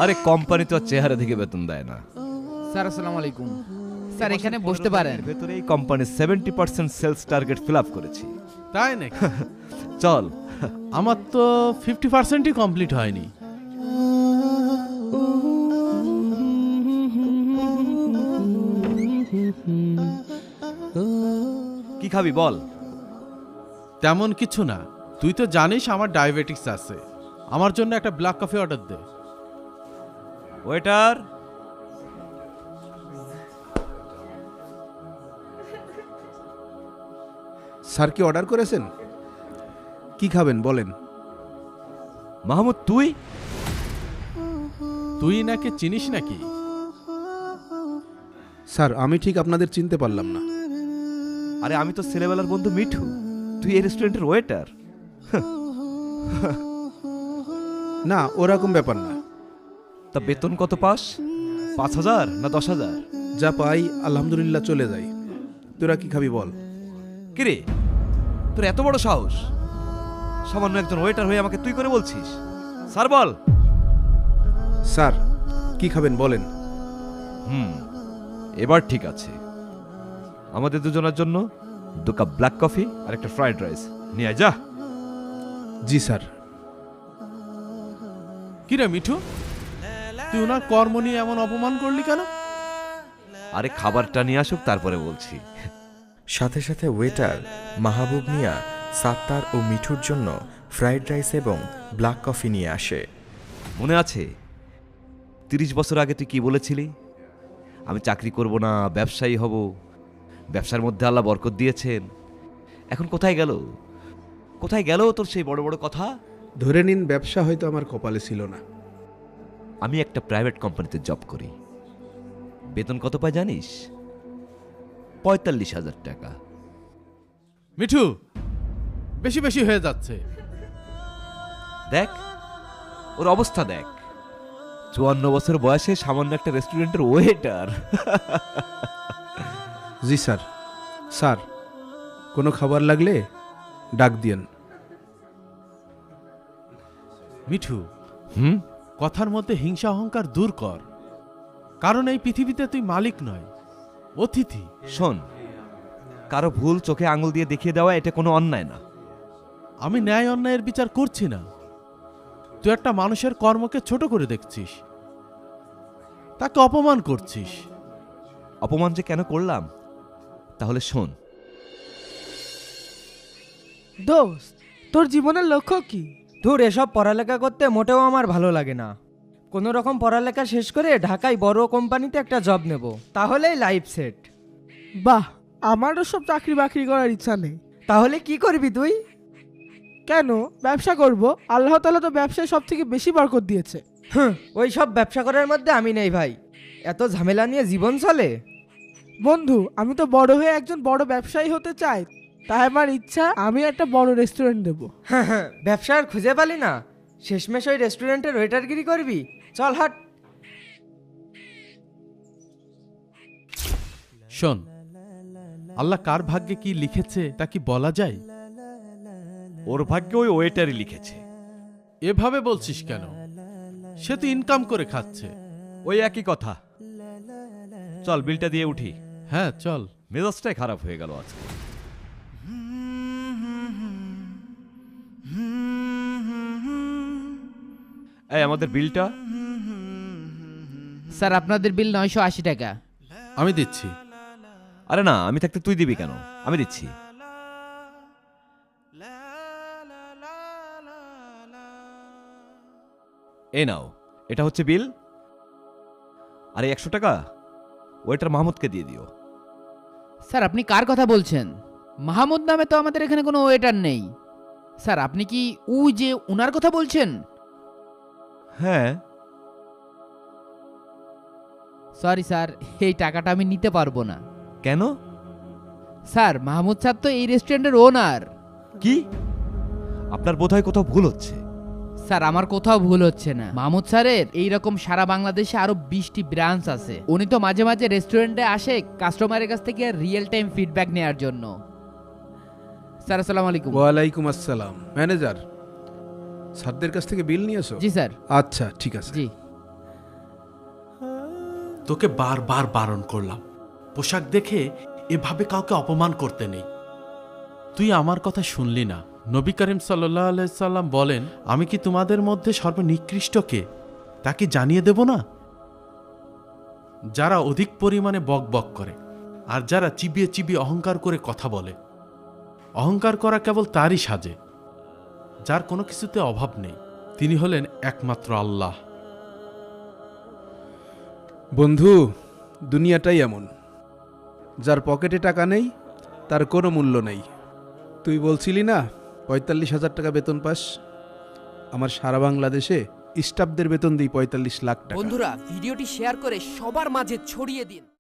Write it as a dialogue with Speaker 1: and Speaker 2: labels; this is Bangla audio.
Speaker 1: আরে কোম্পানি তো চেহারা থেকে বেতন দেয় না।
Speaker 2: স্যার আসসালামু আলাইকুম। স্যার এখানে বসতে পারেন।
Speaker 1: ভেতরে এই company 70% sales target fill up করেছি।
Speaker 3: তাই নাকি?
Speaker 1: চল।
Speaker 3: আমার তো 50%ই কমপ্লিট হয়নি।
Speaker 1: কি খাবি বল?
Speaker 3: তেমন কিছু না, তুই তো জানিস আমার ডায়াবেটিস আছে। আমার জন্য একটা ব্ল্যাক কফি অর্ডার দে।
Speaker 1: ওয়েটার,
Speaker 4: স্যার কি অর্ডার করেছেন? কি খাবেন বলেন?
Speaker 1: মাহমুদ তুই?
Speaker 3: তুই নাকি চিনিস নাকি?
Speaker 4: স্যার আমি ঠিক আপনাদের চিনতে পারলাম না।
Speaker 1: আরে আমি তো ছেলেবেলার বন্ধু মিঠু, তুই এই রেস্টুরেন্টের ওয়েটার।
Speaker 4: না, ওরকম ব্যাপার না।
Speaker 1: তা বেতন কত পাস? 5,000 না 10,000?
Speaker 4: যা পাই আলহামদুলিল্লাহ চলে যাই। তোরা কি খাবি বল?
Speaker 1: কিরে, তোর এত বড় সাহস? সামান্য একজন ওয়েটার হয়ে আমাকে তুই করে বলছিস? স্যার বল।
Speaker 4: স্যার কি খাবেন বলেন?
Speaker 1: এবার ঠিক আছে। আমাদের দুজনের জন্য 2 কাপ ব্ল্যাক কফি আর একটা ফ্রাইড রাইস নিয়ে আয়, যা।
Speaker 4: জি স্যার।
Speaker 3: কিরে মিঠু, তুই ওনার কর্ম নিয়ে এমন অপমান করলি কেন?
Speaker 1: আরে খাবারটা নিয়ে আসুক তারপরে বলছি।
Speaker 5: সাথে সাথে ওয়েটার মাহবুব মিয়া, সাত্তার ও মিঠুর জন্য ফ্রাইড রাইস এবং ব্ল্যাক কফি নিয়ে আসে।
Speaker 1: মনে আছে 30 বছর আগে তুই কি বলেছিলি? আমি চাকরি করব না, ব্যবসায়ী হব। ব্যবসার মধ্যে আল্লাহ বরকত দিয়েছেন। এখন কোথায় গেল? কোথায় গেল তোর সেই বড় বড় কথা?
Speaker 4: ধরে নিন ব্যবসা হয়তো আমার কপালে ছিল না।
Speaker 1: আমি একটা প্রাইভেট কোম্পানিতে জব করি। বেতন কত পাই জানিস? 45,000 টাকা।
Speaker 3: মিঠু, বেশি বেশি হয়ে যাচ্ছে।
Speaker 1: দেখ ওর অবস্থা দেখ, 54 বছর বয়সে সামান্য একটা রেস্টুরেন্টের ওয়েটার।
Speaker 4: জি স্যার। স্যার কোনো খাবার লাগলে ডাক দিয়েন।
Speaker 3: মিঠু,
Speaker 1: হুম,
Speaker 3: কথার মধ্যে হিংসা অহংকার দূর কর। কারণ এই পৃথিবীতে তুই মালিক নয়, অতিথি।
Speaker 1: শোন, কারো ভুল চোখে আঙুল দিয়ে দেখিয়ে দেওয়া এটা কোনো অন্যায় না।
Speaker 3: আমি ন্যায় অন্যায়ের বিচার করছি না। তুই একটা মানুষের কর্মকে ছোট করে দেখছিস, তাকে অপমান করছিস।
Speaker 1: অপমান যে কেন করলাম তাহলে শোন।
Speaker 6: দোস্ত, তোর জীবনের লক্ষ্য কি?
Speaker 7: ধুর, এসব পড়ালেখা করতে মোটেও আমার ভালো লাগে না। কোনো রকম পড়ালেখা শেষ করে ঢাকায় বড় কোম্পানিতে একটা জব নেব, তাহলেই লাইফ সেট।
Speaker 6: বাহ, আমারও সব চাকরি বাকরি করার ইচ্ছা নেই।
Speaker 7: তাহলে কি করবি তুই?
Speaker 6: কেন, ব্যবসা করব। আল্লাহ তাআলা তো ব্যবসায় সব থেকে বেশি বরকত দিয়েছে।
Speaker 7: ওই সব ব্যবসা করার মধ্যে আমি নেই ভাই। এত ঝামেলা নিয়ে জীবন চলে?
Speaker 6: বন্ধু, আমি তো বড় হয়ে একজন বড় ব্যবসায়ী হতে চাই। তাই আমার ইচ্ছা আমি একটা বড় রেস্টুরেন্ট দেব।
Speaker 7: ব্যবসা আর খুঁজে পালি না, শেষমেশ ওই রেস্টুরেন্টের ওয়েটারগিরি করবি? চল হাট।
Speaker 3: শোন, আল্লাহ কার ভাগ্যে কি লিখেছে তা কি বলা যায়?
Speaker 1: ওর ভাগ্যে ওই ওয়েটারই লিখেছে।
Speaker 3: এভাবে বলছিস কেন? সে তো ইনকাম করে খাচ্ছে।
Speaker 1: ওই একই কথা। চল বিলটা দিয়ে উঠি।
Speaker 3: হ্যাঁ চল।
Speaker 1: মেজাজটাই খারাপ হয়ে গেল আজকে। এই আমাদের বিলটা।
Speaker 2: স্যার আপনাদের বিল 980 টাকা।
Speaker 3: আমি দিচ্ছি।
Speaker 1: আরে না, আমি থাকতে তুই দিবি কেন? আমি দিচ্ছি। এই নাও, এটা হচ্ছে বিল। আরে 100 টাকা ওয়েটার মাহমুদকে দিয়ে দিও।
Speaker 2: স্যার আপনি কার কথা বলছেন? মাহমুদ নামে তো আমাদের এখানে কোনো ওয়েটার নেই। স্যার আপনি কি যে উনার কথা বলছেন?
Speaker 1: হ্যাঁ।
Speaker 2: সরি স্যার, এই টাকাটা আমি নিতে পারবো না।
Speaker 1: কেন?
Speaker 2: স্যার মাহমুদ স্যার তো এই রেস্টুরেন্টের ওনার।
Speaker 1: কি? আপনার বোধহয় কোথাও ভুল হচ্ছে।
Speaker 2: স্যার আমার কোথাও ভুল হচ্ছে না। মাহমুদ স্যারের এইরকম সারা বাংলাদেশে আরো 20টি ব্রাঞ্চ আছে। উনি তো মাঝে মাঝে রেস্টুরেন্টে আসে কাস্টমারের কাছ থেকে রিয়েল টাইম ফিডব্যাক নেওয়ার জন্য। স্যার আসসালামু আলাইকুম।
Speaker 4: ওয়ালাইকুম আসসালাম। ম্যানেজার, স্যারদের কাছ থেকে বিল নিয়েছো?
Speaker 2: জি স্যার।
Speaker 4: আচ্ছা ঠিক আছে।
Speaker 2: জি।
Speaker 3: তোকে বারবার বারণ করলাম, পোশাক দেখে এভাবে কাউকে অপমান করতে নেই। তুই আমার কথা শুনলি না। নবী করিম সাল্লাল্লাহু আলাইহি সাল্লাম বলেন, আমি কি তোমাদের মধ্যে সর্বনিকৃষ্ট কে তা কি জানিয়ে দেব না? যারা অধিক পরিমাণে বক বক করে আর যারা চিবিয়ে চিবিয়ে অহংকার করে কথা বলে। অহংকার করা কেবল তারই সাজে যার কোনো কিছুতে অভাব নেই, তিনি হলেন একমাত্র আল্লাহ।
Speaker 4: বন্ধু, দুনিয়াটাই এমন, যার পকেটে টাকা নেই তার কোনো মূল্য নেই। তুই বলছিলি না 45,000 টাকা বেতন পাস? আমার সারা বাংলাদেশে স্টাফদের বেতন দিই 45 লাখ টাকা।
Speaker 8: বন্ধুরা ভিডিওটি শেয়ার করে সবার মাঝে ছড়িয়ে দিন।